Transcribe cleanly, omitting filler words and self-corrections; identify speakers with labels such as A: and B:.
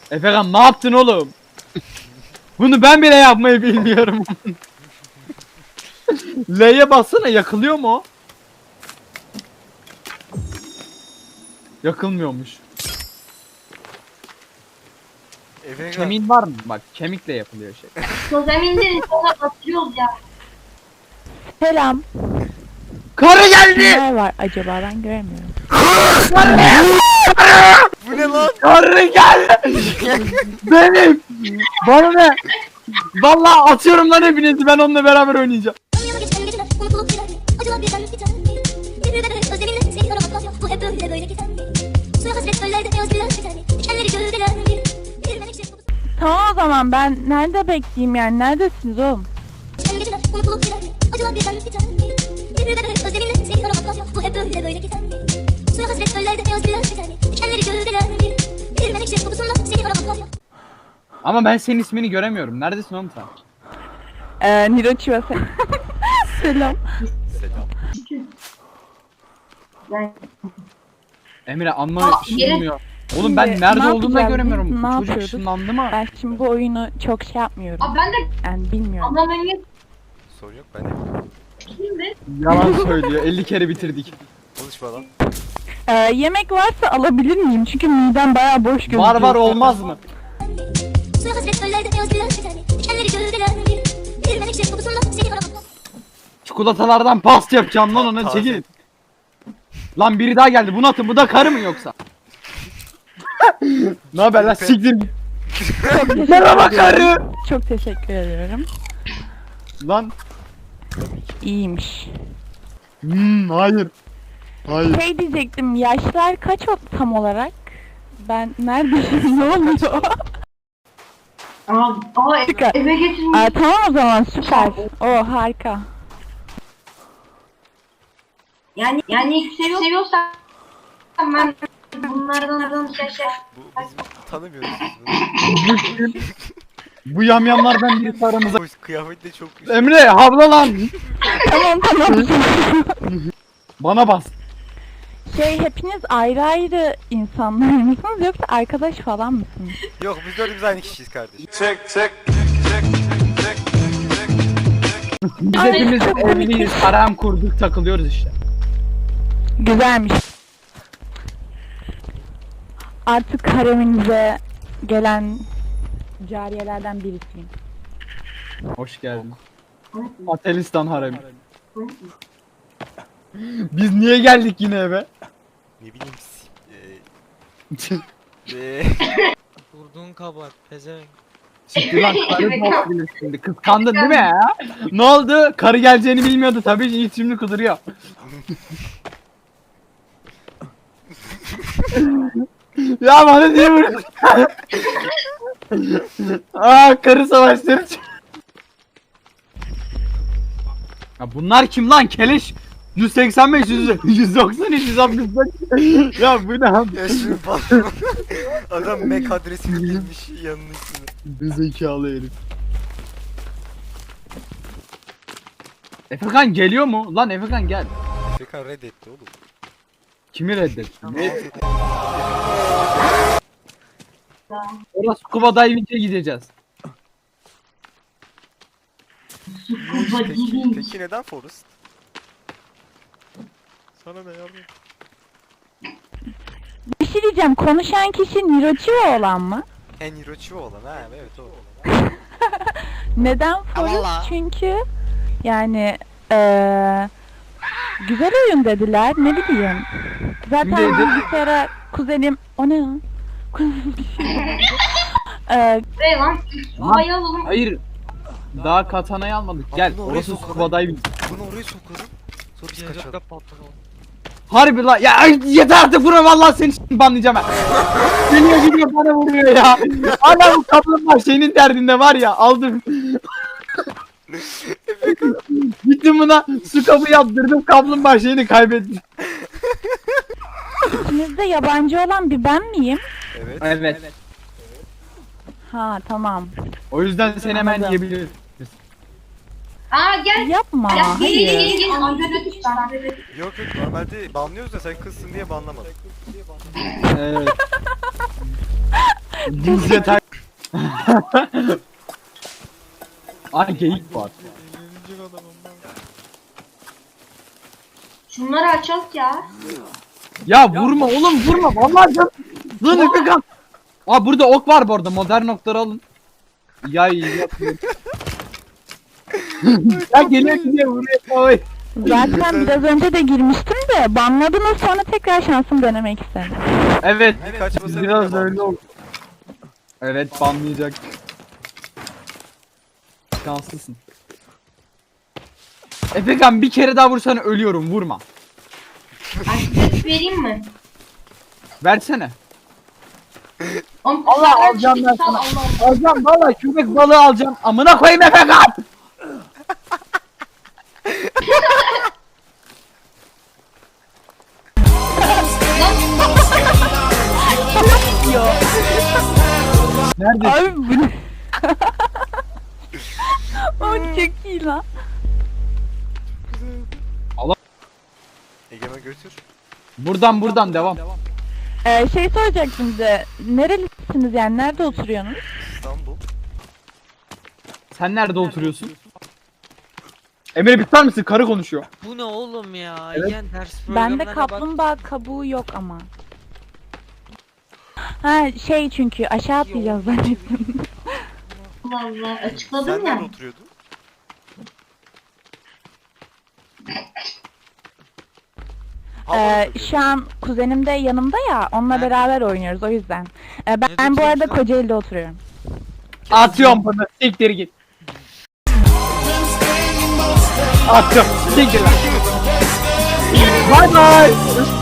A: Efekan ne yaptın oğlum? Bunu ben bile yapmayı bilmiyorum. L'ye bassana, yakılıyor mu o? Yakılmıyormuş.
B: Efekan.
A: Kemiğin var mı? Bak kemikle yapılıyor şey.
C: Zeminde sonra batırıyoruz ya.
D: Selam.
A: Karı geldi!
D: Kimler var acaba, ben göremiyorum.
B: Bu ne lan?
A: Karı geldi! Benim! Bana ne? Vallahi atıyorum lan hepinizi, ben onunla beraber oynayacağım.
E: Dünyada geçen geceler unutulup gider mi? Acılar birden biter mi? Bir de özleminle seni aramak ya. Bu hep böyle gider mi? Suya hasret göllerde beyaz güller biter mi? Dikenleri gövdeler mi? Bir menekşe kokusu.
D: Tamam o zaman, ben nerede bekleyeyim yani, neredesiniz oğlum?
E: Geçen geceler unutulup gider mi? Acılar birden biter mi? Bir de özleminle seni aramak ya. Bu hep böyle gider mi? Suya hasret göllerde beyaz güller biter mi? Dikenleri gövdeler mi? Bir menekşe kokusunda seni aramak ya.
A: Ama ben senin ismini göremiyorum. Neredesin oğlum sen?
D: Nirochi ve sen. Selam.
B: Selam.
C: Ben
A: Emre anla
C: Aa,
A: ışınlanmıyor. Oğlum
D: Şimdi
A: ben nerede
D: ne
A: olduğumu da
D: yapacağız
A: göremiyorum.
D: biz? Ne
A: Çocuk
D: yapıyorduk?
A: ışınlandı mı?
D: Ben şimdi bu oyunu çok şey yapmıyorum.
C: Abi ben de
D: Yani bilmiyorum.
C: anlamayı
B: Sorun yok ben de.
C: kimdi?
A: Yalan söylüyor. 50 kere bitirdik.
B: Konuşma lan.
D: Yemek varsa alabilir miyim? Çünkü midem bayağı boş gözüküyor.
A: Var var, olmaz mı?
E: Suya hasret göllerde beyaz güller biter mi? Dikenleri gövdeler mi? Bir menekşe kokusunda seni aramak ya.
A: Çikolatalardan past yapacağım lan ona,
B: Taze.
A: çekilin. Lan biri daha geldi. Bunu atın. Bu da karı mı yoksa? Ne haber lan, siktir git. Merhaba karı.
D: Çok teşekkür ediyorum.
A: Lan.
D: İyiymiş.
A: Hayır. Hayır.
D: Şey diyecektim, yaşlar kaç o tam olarak? Ben neredeyim? Ne oluyor? Harika.
C: Eve getirmiş.
D: Tamam o zaman, süper. O harika.
C: Yani seviyorsan ben bunlardan şey.
B: Bu biz tanımıyoruz.
A: Bu yamyamlardan birisi aramıza.
B: Bu kıyafet de çok güzel.
A: Emre havla lan.
D: Tamam.
A: Bana bas.
D: Şey, hepiniz ayrı ayrı insanlar mısınız yoksa arkadaş falan mısınız?
B: Yok biz dördümüz aynı kişiyiz kardeşim.
A: Biz
D: Ay,
A: hepimiz
D: çok
A: evliyiz. Harem kurduk, takılıyoruz işte.
D: Güzelmiş. Artık hareminize gelen cariyelerden birisiyim.
A: Hoş geldin. Atelistan haremi. Biz niye geldik yine eve?
B: Ne bileyim.
F: Vurduğun kabahat pezevenk.
A: Siktir lan, karı olabilir şimdi. Kıskandın değil mi ya? Ne oldu? Karı geleceğini bilmiyordu tabii, Yiğit şimdi kuduruyor. Ya bana niye vuruyorsun? Karı savaşları. Ya bunlar kim lan, keleş? 185, 190, 165. Ya bu ne abi?
B: Ya şimdi patron. Adam Mac adresini bilmiş yanının üstüne.
A: Bir zekalı herif. Efekan geliyor mu? Lan Efekan gel.
B: Efekan reddetti oğlum.
A: Kimi reddetti? Orası scuba diving'e gideceğiz.
B: Peki neden Forest? Sana ne yardım?
D: Bir şey diyeceğim, konuşan kişi Nirochi olan mı?
B: En Hirochi olan ha evet o.
D: Neden Forest? Çünkü yani güzel oyun dediler, ne bileyim. Zaten
A: Kim dedi?
D: bilgisayara kuzenim, o ne lan? Kuzenim bir şey dedi.
C: Buraya lan. Havayı alalım.
A: Hayır. Daha katanayı almadık. Gel.
B: bunu oraya
A: Orası
B: sokalım.
A: scuba diving.
B: Bunu oraya sokalım. Sonra biz kaçalım.
F: Cihazda patladı.
A: Harbi lan. Ya ay, yeter artık, vurma vallahi seni şimdi banlayacağım ben. Geliyor bana vuruyor ya. Hala bu kaplumbağa şeyinin derdinde var ya, aldım. Gittim buna su kabı yaptırdım, kaplumbağa şeyini kaybettim.
D: İçinizde yabancı olan bir ben miyim?
B: Evet.
A: Evet.
D: Ha tamam.
A: O yüzden seni hemen
D: Anladım.
A: yiyebiliriz.
C: Gel.
D: Yapma.
C: Gel
D: Hayır.
C: gel. Amca
B: Yok normalde banlıyoruz da sen kızsın diye banlamadım.
A: Evet. Düz yatak. Ay geyik var.
F: Eğlenecek adamım ben.
C: Şunları açalım ya.
A: Ya vurma oğlum vurma. Vallahi can. Lan Efekan. Aa burada ok var bu arada. Modern okları alın. Ya iyi yapıyorum. Ya geliyor vuruyor. Oy.
D: Zaten biraz önce de girmiştim de banladınız, sonra tekrar şansım denemek istedim.
A: Evet.
B: Bir kaçmasa
A: Biraz
B: bile
A: öyle oldu. Evet banlayacak. Şanslısın. Efekan bir kere daha vursan ölüyorum vurma.
C: Antibiyotik vereyim mi?
A: Versene.
C: Oğlum,
A: Allah
C: sen
A: alacağım ben
C: çıktı,
A: sana.
C: Allah.
A: Alacağım valla köpek balığı alacağım. Amına koyayım Efekan. Nerede?
D: Abi bu ne? O çok iyi lan.
B: Egemen götür.
A: Buradan devam.
D: Şey soracaktım size. Nerelisiniz yani? Nerede oturuyorsunuz?
B: İstanbul.
A: Sen nerede oturuyorsun? Emre biter misin? Karı konuşuyor.
F: Bu ne oğlum ya?
A: Evet.
F: Yen ders
D: Bende
F: programlarına bak.
D: kaplumbağa kabuğu yok ama. Ha şey, çünkü aşağı atlayacağız zannettim.
C: Allah Allah.
B: Sen
C: Açıkladım ya.
B: nerede oturuyordun?
D: Şu an kuzenim de yanımda ya, onunla
F: Nerede?
D: beraber oynuyoruz o yüzden. Ben bu
F: oturuyorsun
D: arada
F: sen?
D: Kocaeli'de oturuyorum.
A: Atıyorum bunu. Siktir git. Attım. Siktir lan. Bye bye.